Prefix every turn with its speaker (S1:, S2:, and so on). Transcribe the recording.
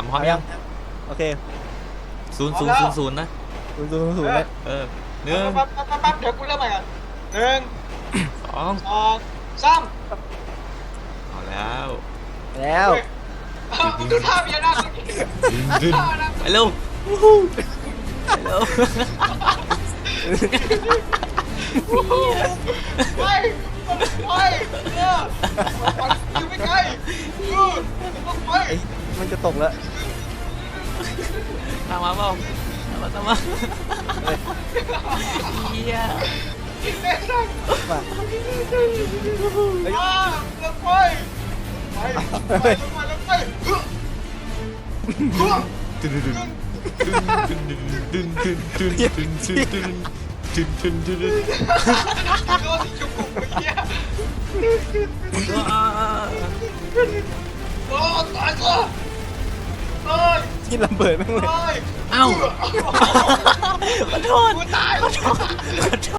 S1: พร้อมยัง
S2: โอเค
S1: 0 0 0 0นะ
S2: 0 0 0เลย
S1: หนึ่ง
S3: ปั๊บเดี๋ยวกูเริ่มใหม่ก่อน1
S1: สอง
S3: 2 3
S1: เอาแล้ว
S2: แล้ว
S3: มึงดูท่าเมียนะท่านะ
S1: ไปเร็วไปเร็ว
S3: ไปอยู่ไม่ไกลต้องไป
S2: มันจะตกแล้ว
S1: ตามมาเปล่าตามมาเฮีย
S3: เต้นได้
S2: มา
S3: ลงไปไป
S1: ดึงดึงดึงดึงดึงดึงดึงดึงดึงดึงดึง
S3: โดนจุกเมื่อกี้โอ้ตายซะตาย
S2: ที่ระเบิดแม่งเลย
S3: ตาย
S1: เอ้าขอโทษ
S3: กูต